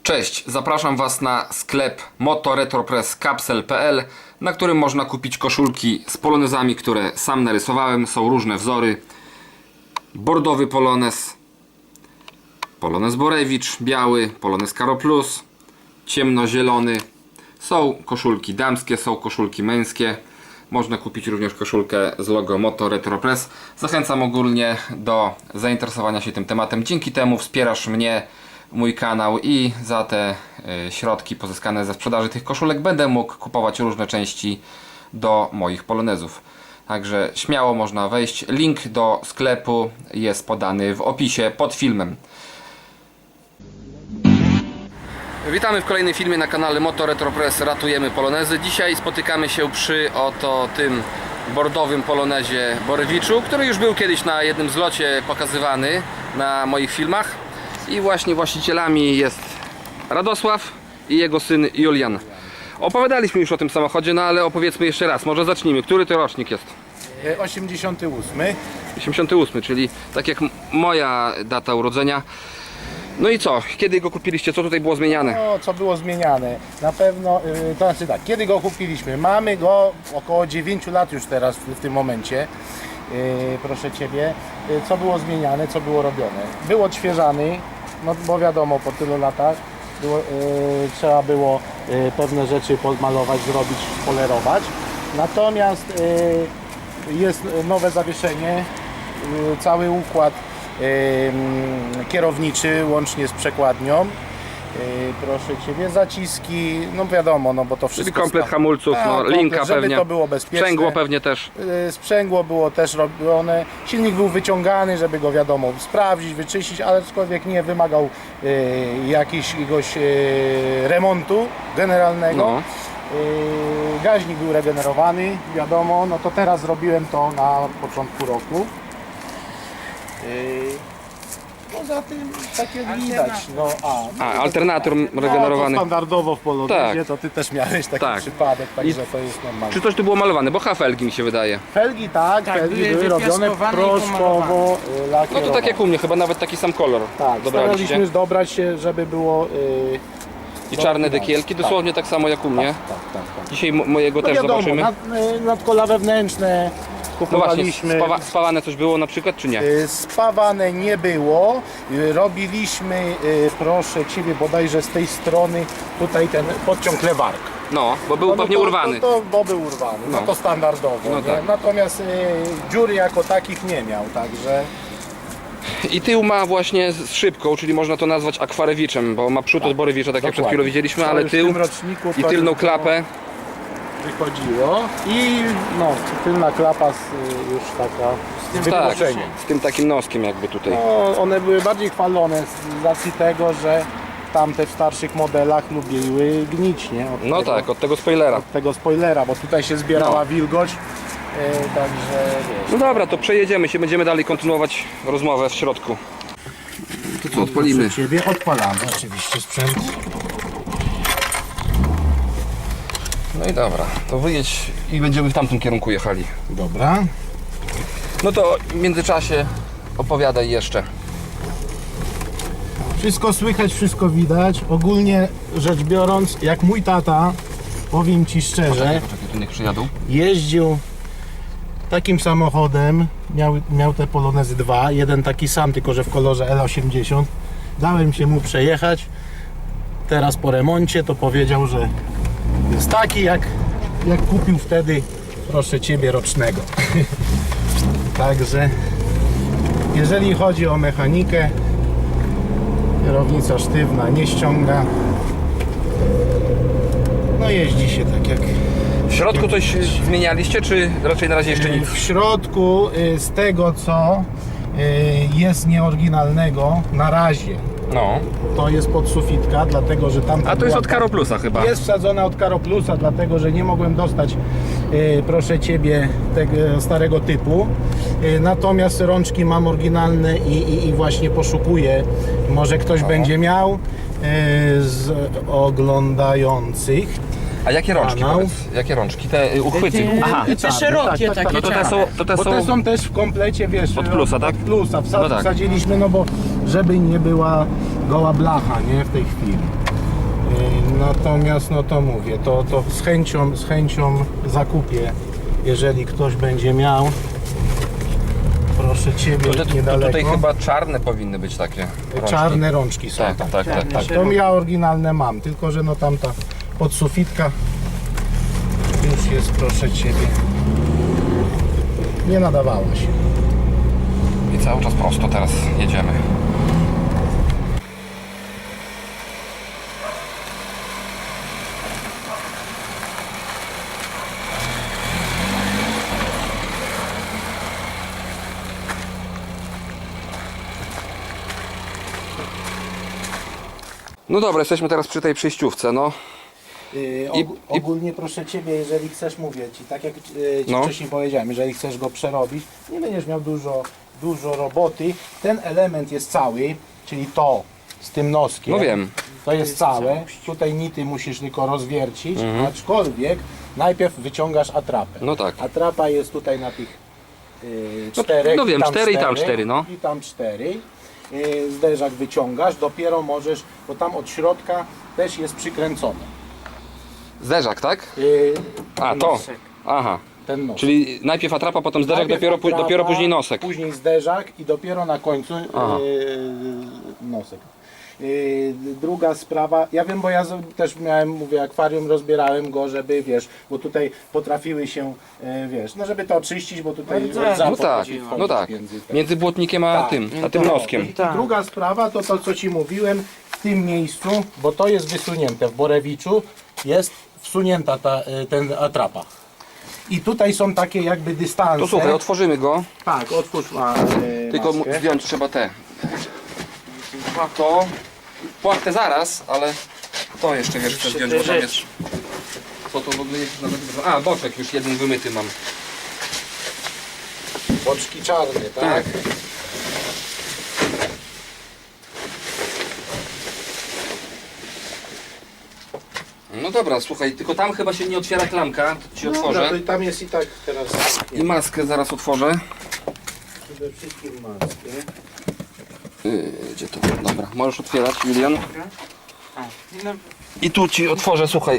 Cześć, zapraszam Was na sklep motoretropresscapsel.pl, na którym można kupić koszulki z polonezami, które sam narysowałem. Są różne wzory. Bordowy polonez, polonez Borewicz, biały, polonez Karo Plus, ciemnozielony. Są koszulki damskie, są koszulki męskie. Można kupić również koszulkę z logo Moto Retro Press. Zachęcam ogólnie do zainteresowania się tym tematem. Dzięki temu wspierasz mnie, mój kanał, i za te środki pozyskane ze sprzedaży tych koszulek będę mógł kupować różne części do moich polonezów. Także śmiało można wejść. Link do sklepu jest podany w opisie pod filmem. Witamy w kolejnym filmie na kanale Moto Retro Press. Ratujemy polonezy. Dzisiaj spotykamy się przy oto tym bordowym polonezie Borewiczu, który już był kiedyś na jednym zlocie pokazywany na moich filmach. I właśnie właścicielami jest Radosław i jego syn Julian. Opowiadaliśmy już o tym samochodzie, no ale opowiedzmy jeszcze raz. Może zacznijmy. Który to rocznik jest? 88. 88, czyli tak jak moja data urodzenia. No i co? Kiedy go kupiliście? Co tutaj było zmieniane? No, co było zmieniane? Na pewno, to znaczy tak, kiedy go kupiliśmy? Mamy go około 9 lat już teraz w tym momencie. Proszę Ciebie. Co było zmieniane? Co było robione? Był odświeżany, no bo wiadomo, po tylu latach trzeba było pewne rzeczy podmalować, zrobić, polerować. Natomiast jest nowe zawieszenie, cały układ kierowniczy łącznie z przekładnią. Proszę Ciebie, zaciski, no wiadomo, no bo to wszystko. Czyli komplet hamulców, tak, no, komplet, linka żeby pewnie. to było bezpieczne. Sprzęgło pewnie też. Sprzęgło było też robione. Silnik był wyciągany, żeby go wiadomo sprawdzić, wyczyścić, ale aczkolwiek nie wymagał jakiegoś remontu generalnego. No. Gaźnik był regenerowany, wiadomo, no to teraz zrobiłem to na początku roku. Poza tym, tak jak widać, no alternator regenerowany. No, to standardowo w polonezie, Tak. to Ty też miałeś taki Tak. przypadek, także I to jest normalne. Czy coś tu było malowane? Bo felgi mi się wydaje. Felgi tak, felgi były robione wypiaskowane i proszkowo, No lakierowane. to tak jak u mnie, chyba nawet taki sam kolor Tak, dobraliście. staraliśmy dobrać się, żeby było... I czarne dekielki, dosłownie tak samo jak u mnie. Tak. Dzisiaj mojego No też wiadomo, zobaczymy. nadkola wewnętrzne No właśnie, kupowaliśmy. spawane coś było na przykład, czy nie? Spawane nie było. Robiliśmy, proszę Ciebie, bodajże z tej strony tutaj ten podciąg lewark. No, bo był pewnie urwany. Bo był urwany, no to standardowo. No nie? tak. Natomiast dziury jako takich nie miał, także... I tył ma właśnie z szybką, czyli można to nazwać akwarewiczem, bo ma przód od Borewicza, tak jak przed chwilą widzieliśmy, To ale już w tył tym roczniku i to tylną już klapę. wychodziło. I no, tylna klapa już taka z tym Tak, wykluczeniem. z tym takim noskiem jakby tutaj. No, one były bardziej chwalone z racji tego, że tamte w starszych modelach lubiły gnić, nie? No tak, od tego spoilera. Od tego spoilera, bo tutaj się zbierała No. wilgoć, także wiesz. No dobra, to przejedziemy się, będziemy dalej kontynuować rozmowę w środku. To co, odpalimy? Proszę Ciebie, odpalamy oczywiście sprzęt. No i dobra, to wyjedź i będziemy w tamtym kierunku jechali. Dobra. No to w międzyczasie opowiadaj jeszcze. Wszystko słychać, wszystko widać. Ogólnie rzecz biorąc, jak mój tata, powiem Ci szczerze, Poczekaj, tu niech przyjadą. jeździł takim samochodem, miał te Polonezy 2, jeden taki sam, tylko że w kolorze L80. Dałem się mu przejechać. Teraz po remoncie to powiedział, że jest taki jak kupił wtedy, proszę Ciebie, rocznego. Także jeżeli chodzi o mechanikę, kierownica sztywna, nie ściąga. No jeździ się tak jak... W środku coś zmienialiście, czy raczej na razie jeszcze nic? W środku z tego co jest nieoryginalnego na razie, No. to jest podsufitka, dlatego że tam... A to jest od Karo Plusa chyba. Jest wsadzona od Karo Plusa, dlatego że nie mogłem dostać, proszę Ciebie, tego starego typu. Natomiast rączki mam oryginalne i właśnie poszukuję. Może ktoś będzie miał z oglądających. A jakie rączki Kanał. powiedz? Jakie rączki? Te uchwyty? Aha. Te szerokie takie. No to te są, Bo te są też w komplecie, wiesz, Od Plusa, tak? Od Plusa. No tak. Wsadziliśmy, no bo żeby nie była goła blacha, nie, w tej chwili. Natomiast no to mówię, to z chęcią zakupię, jeżeli ktoś będzie miał. Proszę Ciebie, niedaleko. Tutaj chyba czarne powinny być takie rączki. Czarne rączki są. Tak. To ja oryginalne mam, tylko że no tamta podsufitka już jest, proszę Ciebie, nie nadawała się. I cały czas prosto teraz jedziemy. No dobra, jesteśmy teraz przy tej przejściówce, no. Ogólnie proszę Ciebie, jeżeli chcesz, mówię Ci, tak jak Ci No. wcześniej powiedziałem, jeżeli chcesz go przerobić, nie będziesz miał dużo roboty. Ten element jest cały, czyli to z tym noskiem. No wiem. To jest całe. Tutaj nity musisz tylko rozwiercić, aczkolwiek najpierw wyciągasz atrapę. No tak. Atrapa jest tutaj na tych czterech. no wiem, i tam 4 i tam 4, no. I tam 4. Zderzak wyciągasz, dopiero możesz, bo tam od środka też jest przykręcone. Zderzak, tak? A, ten to. nosek, Aha. ten nosek. Czyli najpierw atrapa, potem zderzak, Najpierw dopiero atrapa, później nosek. Później zderzak i dopiero na końcu Aha. nosek. Druga sprawa, ja wiem, bo ja też miałem, mówię, akwarium, rozbierałem go, żeby, wiesz, bo tutaj potrafiły się, wiesz, no żeby to oczyścić, bo tutaj rdza No tak, potrafi no tak. między Między błotnikiem a Tak. tym, a tym noskiem. I druga sprawa to to, co Ci mówiłem, w tym miejscu, bo to jest wysunięte w Borewiczu, jest wsunięta ten atrapa. I tutaj są takie jakby dystanse. To słuchaj, otworzymy go. Tak, otwórz Tylko maskę. zdjąć trzeba te. To płachtę zaraz, ale to jeszcze wiesz, chcę zdjąć, bo tam jest. Co to w ogóle jest? A, boczek już jeden wymyty mam. Boczki czarne, tak? Tak. No dobra, słuchaj, tylko tam chyba się nie otwiera klamka, to ci otworzę. Dobra, to tam jest i tak teraz. I maskę zaraz otworzę. Przede wszystkim maskę. Gdzie to? Dobra, możesz otwierać, Julian. I tu ci otworzę, słuchaj.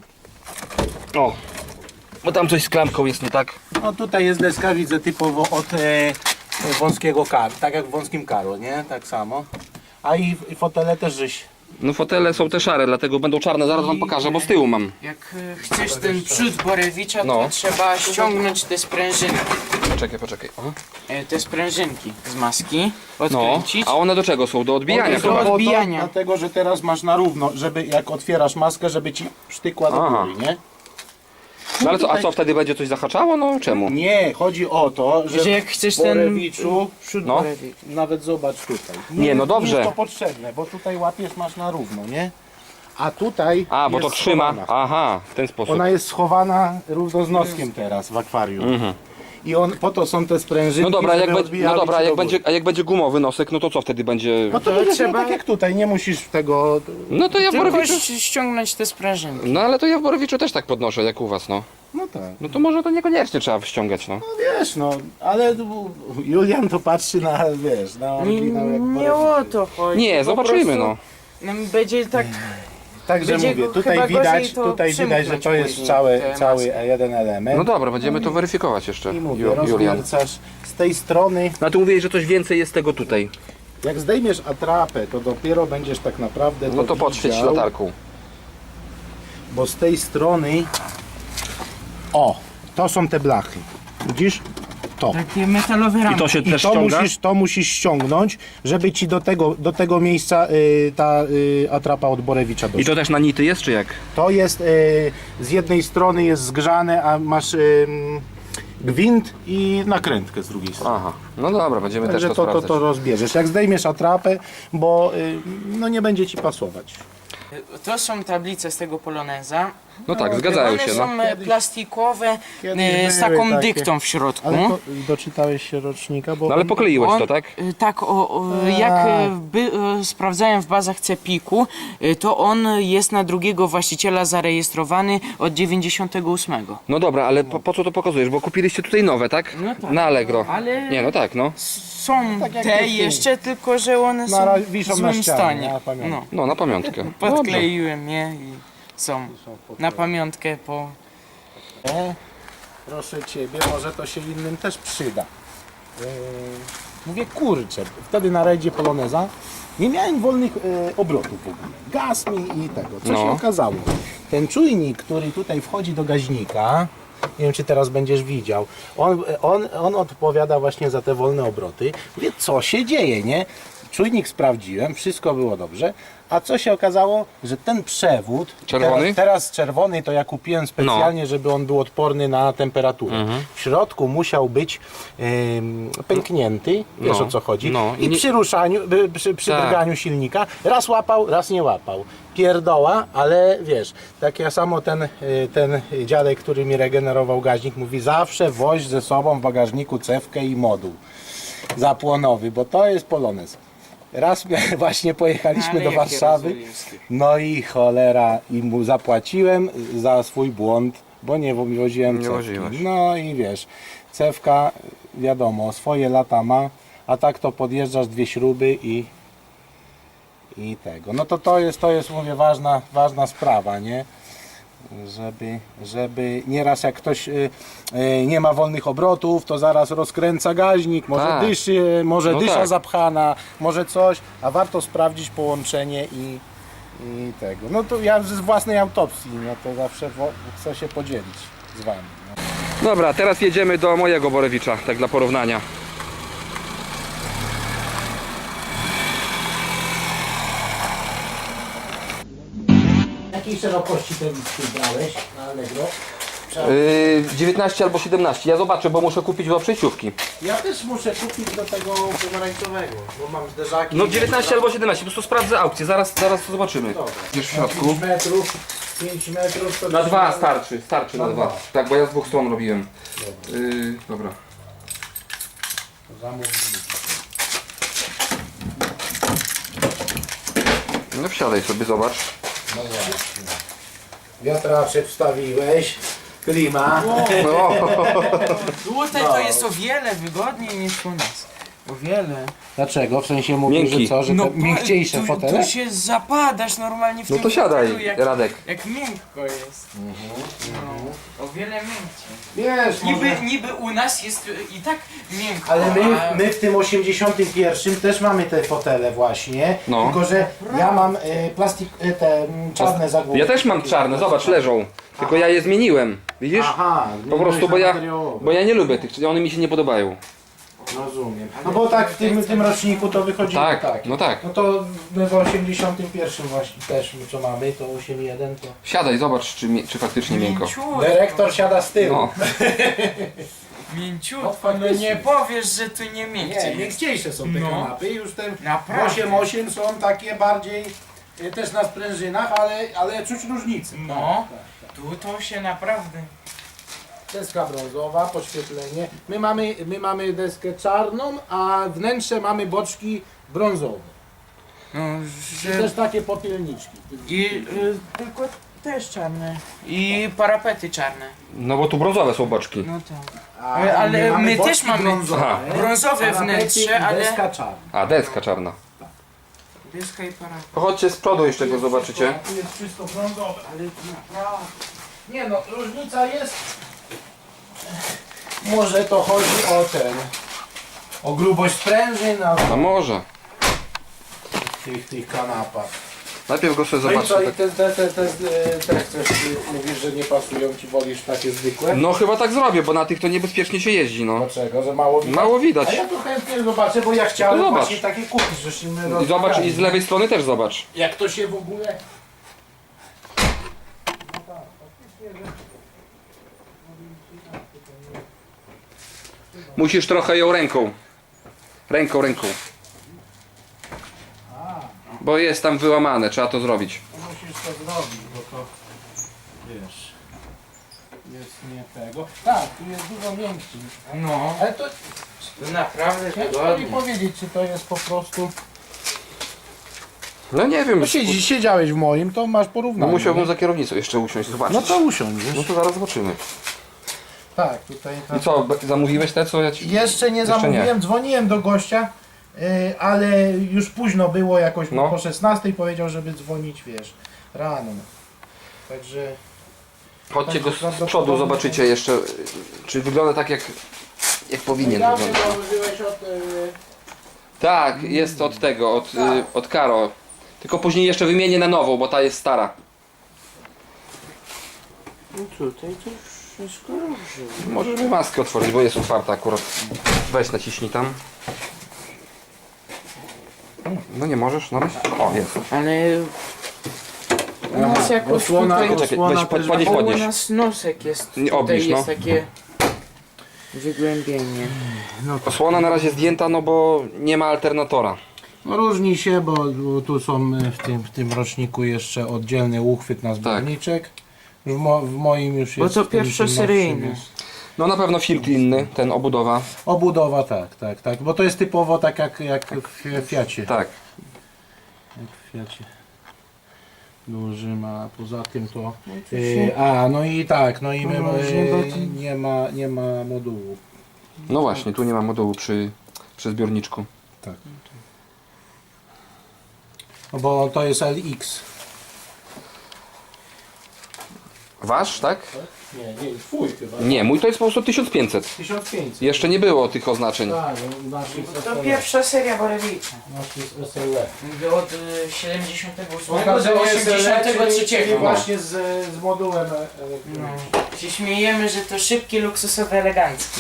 O, bo tam coś z klamką jest nie tak. No tutaj jest deska, widzę, typowo od wąskiego karu, tak jak w wąskim karu, nie? Tak samo. A i fotele też żeś. No fotele są te szare, dlatego będą czarne, zaraz wam pokażę, bo z tyłu mam. Jak chcesz ten przód Borewicza, No. to trzeba ściągnąć te sprężyny. Poczekaj. O. Te sprężynki z maski, No, odkręcić. a one do czego są? Do odbijania One są chyba. po to, odbijania. Dlatego, że teraz masz na równo, żeby jak otwierasz maskę, żeby ci sztykła do Aha. góry, nie? No ale co, a co, wtedy będzie coś zahaczało? No czemu? Nie, chodzi o to, że Że jak chcesz w Borewiczu, przód No. Borewicza. nawet zobacz tutaj. Nie, no dobrze. Nie jest to potrzebne, bo tutaj łapiesz, masz na równo, nie? A tutaj A, bo to jest trzyma. schowana. Aha, w ten sposób. Ona jest schowana równo z noskiem teraz w akwarium. I po to są te sprężyny. No dobra, a jak będzie gumowy nosek, no to co wtedy będzie? No to To będzie trzeba- tak jak tutaj, nie musisz tego. No to ja w Tylko Borowiczu. ściągnąć te sprężynki. No ale to ja w Borowiczu też tak podnoszę jak u was, no. No tak. No to może to niekoniecznie trzeba ściągać, no. No wiesz, no, ale Julian to patrzy na, wiesz, na oryginał jak Nie o to chodzi. Nie, po zobaczymy, prostu no. nam będzie tak. Także Będzie mówię, go tutaj chyba widać, gorzej to że to przymknąć jest później, cały te jeden element. No dobra, będziemy to weryfikować jeszcze, I mówię, Julian. rozwiercasz z tej strony. No tu mówiłeeś, że coś więcej jest tego tutaj. Jak zdejmiesz atrapę, to dopiero będziesz tak naprawdę No to podświeć widział, latarką. bo z tej strony, o, to są te blachy, widzisz? To. Takie metalowe I ramki. to się I też to ściąga? musisz ściągnąć, żeby ci do tego miejsca ta atrapa od Borewicza doszła. I to też na nity jest, czy jak? To jest z jednej strony jest zgrzane, a masz gwint i nakrętkę z drugiej strony. Aha, no dobra, będziemy Także też to sprawdzać. to rozbierzesz. Jak zdejmiesz atrapę, bo no nie będzie ci pasować. To są tablice z tego Poloneza. No tak, zgadzają One się, są no. plastikowe Kiedyś z były taką takie. dyktą w środku. Ale to, doczytałeś się rocznika, bo No ale pokleiłeś to, On, tak? Tak, jak sprawdzałem w bazach CEPIK-u, to on jest na drugiego właściciela zarejestrowany od 98. No dobra, ale po co to pokazujesz? Bo kupiliście tutaj nowe, tak? No tak. Na Allegro. Ale- Nie, no tak, no. są Tak jak te ty. jeszcze, tylko że one są wiszą w na złym ścianie, stanie. na pamiątkę. No, No, na pamiątkę. podkleiłem je i są na pamiątkę po... Proszę Ciebie, może to się innym też przyda. Mówię, kurczę, wtedy na rajdzie Poloneza nie miałem wolnych obrotów w ogóle. Gaz mi i tego. Co się No. okazało? Ten czujnik, który tutaj wchodzi do gaźnika, nie wiem czy teraz będziesz widział, on odpowiada właśnie za te wolne obroty. Mówię, co się dzieje, nie? Czujnik sprawdziłem, wszystko było dobrze, a co się okazało, że ten przewód, Czerwony? teraz czerwony to ja kupiłem specjalnie, żeby on był odporny na temperaturę. W środku musiał być pęknięty, wiesz No. o co chodzi, No. i I nie- przy ruszaniu, przy Tak. drganiu silnika raz łapał, raz nie łapał. Pierdoła, ale wiesz, tak ja samo ten dziadek, który mi regenerował gaźnik, mówi zawsze woź ze sobą w bagażniku cewkę i moduł zapłonowy, bo to jest Polonez. Raz właśnie pojechaliśmy Ale do jakie Warszawy, rozumiemskie. no i cholera, i mu zapłaciłem za swój błąd, bo nie woziłem Nie cewki. woziłeś. No i wiesz, cewka wiadomo, swoje lata ma, a tak to podjeżdżasz dwie śruby i tego. No to jest mówię ważna sprawa, nie? Żeby nieraz jak ktoś nie ma wolnych obrotów, to zaraz rozkręca gaźnik, może Tak. dyszy, może No dysza tak. zapchana, może coś, a warto sprawdzić połączenie i tego. No to ja z własnej autopsji, no to zawsze chcę się podzielić z Wami. No. Dobra, teraz jedziemy do mojego Borewicza, tak dla porównania. Jakiej szerokości te listy brałeś na Allegro? 19 albo 17. Ja zobaczę, bo muszę kupić dwa przejściówki. Ja też muszę kupić do tego pomarańczowego, bo mam zderzaki. No 19 albo 17, po prostu sprawdzę aukcję, zaraz to zobaczymy. Dobra. Gdzieś w środku. 5 metrów to Na dwa starczy na Na dwa. dwa. Tak, bo ja z dwóch stron robiłem. Dobra. zamówili. No wsiadaj sobie, zobacz. No właśnie. Wiatraczek wstawiłeś, klima. No. Tutaj to jest o wiele wygodniej niż u nas. O wiele. Dlaczego? W sensie mówisz, Miękki. że co, że te miękciejsze tu, fotele? tu się zapadasz normalnie w No tym to siadaj, fotelu, Radek. jak miękko jest. No, o wiele miękciej. Wiesz, Niby u nas jest i tak miękko. ale a- my w tym 81 też mamy te fotele właśnie, No. tylko że ja mam plastik, te czarne zagłówki. Ja też mam czarne, zobacz, leżą. Tylko ja je zmieniłem. Widzisz? Aha, Po prostu, bo ja nie lubię tych, one mi się nie podobają. Rozumiem. No bo tak w tym roczniku to wychodzi Tak, no tak. No to my w 81 właśnie też co mamy, to 8.1 to... Siadaj, zobacz, czy faktycznie miękko. Mięciutko, Dyrektor siada z tyłu. No. mięciutko, No, no faktycznie. nie powiesz, że tu nie Nie, miękciej jest. miękciejsze są te No. kanapy, już te Naprawdę. 8.8 są takie bardziej też na sprężynach, ale czuć różnicę. No, Tak. tu to się naprawdę... Deska brązowa, podświetlenie. My mamy deskę czarną, a wnętrze mamy boczki brązowe. No, I że... też takie popielniczki. I tylko też czarne. I parapety czarne. No bo tu brązowe są boczki. No tak. A Ale mamy my boczki też mamy brązowe, brązowe parapety wnętrze, i ale... deska czarna. A, deska czarna. Dyska i parapet. Pochodźcie z przodu jeszcze go zobaczycie. Tu jest wszystko brązowe. Ale naprawdę... Nie no, różnica jest. Może to chodzi o grubość sprężyn, A może. tych kanapach. Najpierw go sobie No i co, zobaczę. i te chcesz, mówisz, że nie pasują ci, wolisz takie zwykłe? No chyba tak zrobię, bo na tych to niebezpiecznie się jeździ, no. Dlaczego? Że mało widać? Mało A widać. ja to chętnie zobaczę, bo ja chciałem No zobacz. właśnie takie kupić, żeśmy I zobacz, rozmawiali. i z lewej strony też zobacz. Jak to się w ogóle... Musisz trochę ją ręką. Ręką. Bo jest tam wyłamane, trzeba to zrobić. Musisz to zrobić, bo to wiesz, jest nie tego. Tak, tu jest dużo miękciej. No, Ale to to naprawdę ciężko mi wygodnie. powiedzieć, czy to jest po prostu... No nie wiem, No siedziałeś w moim, to masz no porównanie. musiałbym nie? za kierownicą jeszcze usiąść, zobaczyć. No to usiądź, No wiesz. to zaraz zobaczymy. Tak, tutaj. I co, zamówiłeś te, co ja ci... Jeszcze nie Jeszcze zamówiłem, nie. dzwoniłem do gościa, ale już późno było, jakoś No. po 16 powiedział, żeby dzwonić, wiesz, rano. Także Chodźcie go z prawdopodobnie- przodu, zobaczycie jeszcze, czy wygląda tak jak powinien dawno wyglądać. założyłeś od... Tak, jest od tego, od Karo. Tylko później jeszcze wymienię na nową, bo ta jest stara. No tutaj to wszystko dobrze. Możesz mi maskę otworzyć, bo jest otwarta akurat. Weź naciśnij tam. No nie możesz, no. O, jest. Ale u nas jakoś osłona- tutaj... Czekaj, Osłona weź, też- podnieś, O, u podnieś. nas nosek jest, Nie, tutaj obniż, jest no. takie wygłębienie. Osłona na razie zdjęta, no bo nie ma alternatora. No różni się, bo tu są w tym roczniku jeszcze oddzielny uchwyt na zbiorniczek. W moim już Bo jest... to w tym pierwszoseryjny. nowszym jest. No na pewno filtr inny, ten obudowa. Obudowa, tak, bo to jest typowo tak jak w Fiacie. Tak. Jak w Fiacie dużym, a poza tym to... to się- no i tak, no i my, No, nie ma modułu. No właśnie, tu nie ma modułu przy zbiorniczku. Tak. No bo to jest LX. Wasz, tak? Nie, twój chyba. Nie, mój to jest po prostu 1500. 1500. Jeszcze nie było tych oznaczeń. Tak, nasz jest To SLE. pierwsza seria Borewicza. Nasz jest SLE. Mówię od 78 Pokażę do SLE, 83. czyli No. właśnie z modułem elektrycznym. No. Się śmiejemy, że to szybki, luksusowy, elegancki.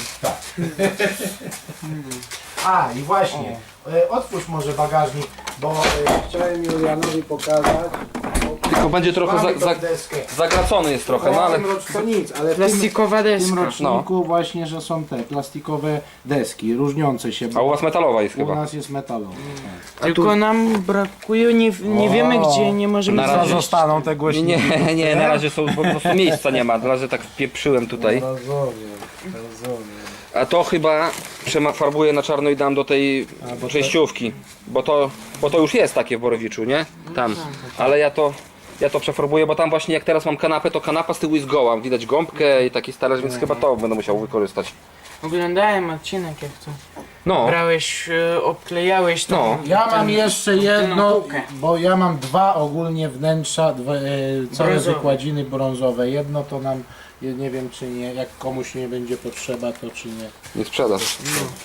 A i właśnie, otwórz może bagażnik, bo chciałem Julianowi pokazać. Tylko będzie trochę Mamy tą deskę. zagracony jest trochę, no ale... To nic, ale w Plastikowa tym deska. roczniku właśnie, że są te plastikowe deski, różniące się, A u bo was metalowa jest u chyba. nas jest metalowe. Tylko nam brakuje, nie wiemy gdzie, nie możemy Na razie znaleźć. Zostaną te głośniki. Nie, na razie są po prostu miejsca nie ma, na razie tak wpieprzyłem tutaj. Rozumiem. A to chyba farbuję na czarno i dam do tej przejściówki, bo to już jest takie w Borowiczu, nie? Tam. Ale ja to przefarbuję, bo tam właśnie jak teraz mam kanapę, to kanapa z tyłu jest goła, widać gąbkę i taki talerz, więc chyba to będę musiał wykorzystać. Oglądałem odcinek jak to No, brałeś, obklejałeś to. No. Ja mam jeszcze jedno, półkę. bo ja mam dwa ogólnie wnętrza, całe Brązowe. wykładziny brązowe. Jedno to nam, nie wiem czy nie, jak komuś nie będzie potrzeba, to czy nie. nie sprzedasz.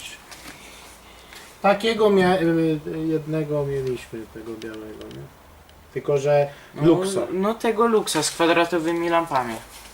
Takiego jednego mieliśmy, tego białego, nie? Tylko, że luksa. No tego luksa z kwadratowymi lampami.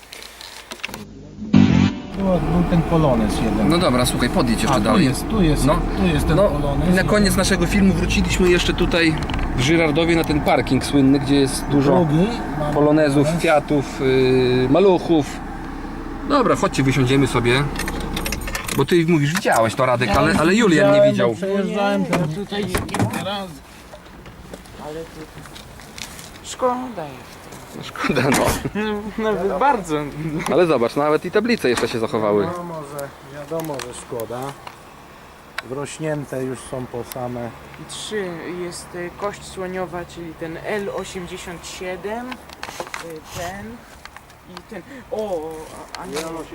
Był ten polonez jeden. No dobra, słuchaj, podjedź jeszcze tu dalej. jest No. tu jest ten No polonez. i na koniec naszego filmu wróciliśmy jeszcze tutaj w Żyrardowie na ten parking słynny, gdzie jest dużo Drugi. mamy polonezów, polonez. Fiatów, maluchów. Dobra, chodźcie, wysiądziemy sobie. Bo ty mówisz, widziałeś to Radek, ale Julian nie widział. Przejeżdżałem No teraz tutaj kilka razy. ale to... Szkoda jest. Szkoda, no. Nawet bardzo. Ale zobacz, nawet i tablice jeszcze się zachowały. No może, wiadomo, że szkoda. Wrośnięte już są po same. 3 jest kość słoniowa, czyli ten L87, ten i ten. O, a nie. 80.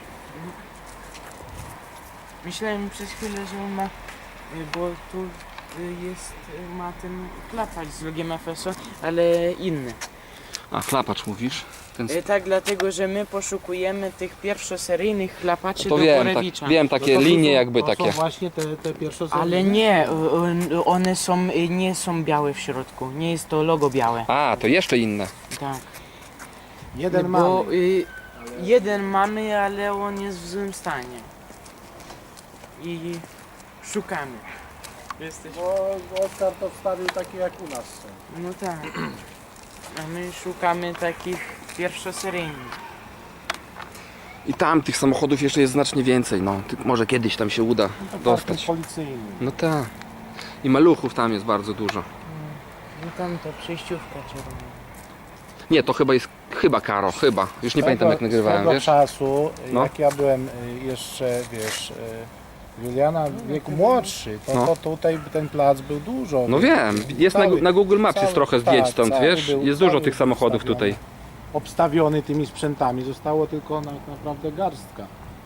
Myślałem przez chwilę, że on ma, bo tu jest, ma ten klapacz z logiem FSO, ale inny. A, chlapacz mówisz? Ten... Tak, dlatego, że my poszukujemy tych pierwszoseryjnych chlapaczy To do wiem, Borewicza. tak, wiem, takie linie jakby To takie. są właśnie te pierwsze Ale nie, one są, nie są białe w środku, nie jest to logo białe. A, to jeszcze inne. Tak. Jeden Bo mamy. jeden mamy, ale on jest w złym stanie. I szukamy. Jesteś... Bo Oskar to wstawił takie jak u nas są. No tak. A my szukamy takich pierwszoseryjnych. I tam tych samochodów jeszcze jest znacznie więcej, no. Może kiedyś tam się uda dostać. Policyjny. No tak. I maluchów tam jest bardzo dużo. No tam to przejściówka czerwona. Nie, to chyba jest, Karo, chyba. Już nie pamiętam jak nagrywałem, Swego wiesz? czasu, No. jak ja byłem jeszcze, wiesz, Juliana w wieku młodszy, No. to tutaj ten plac był dużo. No wiem, jest Cały- na Google Maps cały- jest trochę zdjęć tak, stąd, cały wiesz? był- Jest dużo cały tych samochodów obstawiony. tutaj. Obstawiony tymi sprzętami, zostało tylko naprawdę garstka.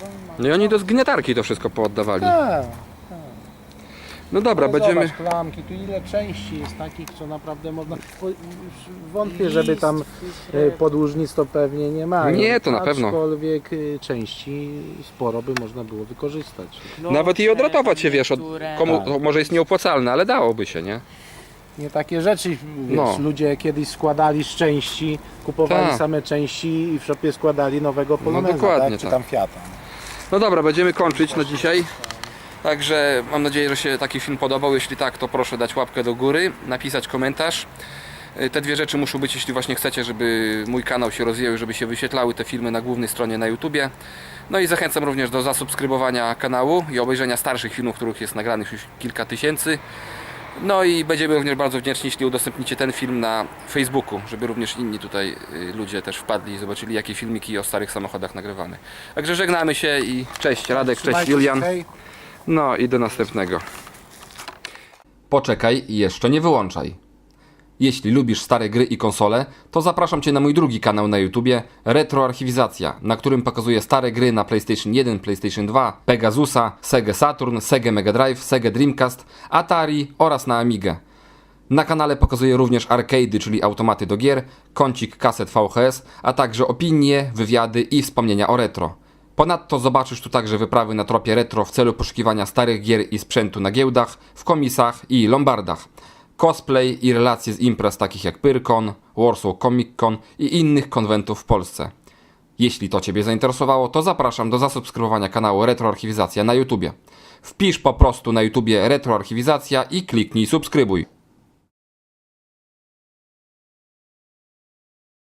No i oni do zgniatarki to wszystko pooddawali. Tak. No dobra, Ale będziemy... Zobacz, klamki, tu ile części jest takich, co naprawdę można... Wątpię, żeby tam podłużnic to pewnie nie mają. Nie, to na pewno. Aczkolwiek części sporo by można było wykorzystać. Nawet i odratować się, wiesz, komu Tak. to może jest nieopłacalne, ale dałoby się, nie? Nie takie rzeczy, wiesz, No. ludzie kiedyś składali z części, kupowali Tak. same części i w shopie składali nowego Poloneza, dokładnie tak? Czy tak. tam Fiata. No dobra, będziemy kończyć na dzisiaj. Także mam nadzieję, że się taki film podobał. Jeśli tak, to proszę dać łapkę do góry, napisać komentarz. Te dwie rzeczy muszą być, jeśli właśnie chcecie, żeby mój kanał się rozwijał, żeby się wyświetlały te filmy na głównej stronie na YouTubie. No i zachęcam również do zasubskrybowania kanału i obejrzenia starszych filmów, których jest nagranych już kilka tysięcy. No i będziemy również bardzo wdzięczni, jeśli udostępnicie ten film na Facebooku, żeby również inni tutaj ludzie też wpadli i zobaczyli, jakie filmiki o starych samochodach nagrywamy. Także żegnamy się i cześć Radek, cześć Trzymajcie się, Julian. hej. No i do następnego. Poczekaj i jeszcze nie wyłączaj. Jeśli lubisz stare gry i konsole, to zapraszam Cię na mój drugi kanał na YouTubie Retroarchiwizacja, na którym pokazuję stare gry na PlayStation 1, PlayStation 2, Pegasusa, Sega Saturn, Sega Mega Drive, Sega Dreamcast, Atari oraz na Amigę. Na kanale pokazuję również arcade'y, czyli automaty do gier, kącik kaset VHS, a także opinie, wywiady i wspomnienia o retro. Ponadto zobaczysz tu także wyprawy na tropie retro w celu poszukiwania starych gier i sprzętu na giełdach, w komisach i lombardach. Cosplay i relacje z imprez takich jak Pyrkon, Warsaw Comic Con i innych konwentów w Polsce. Jeśli to Ciebie zainteresowało, to zapraszam do zasubskrybowania kanału Retroarchiwizacja na YouTubie. Wpisz po prostu na YouTubie Retroarchiwizacja i kliknij subskrybuj.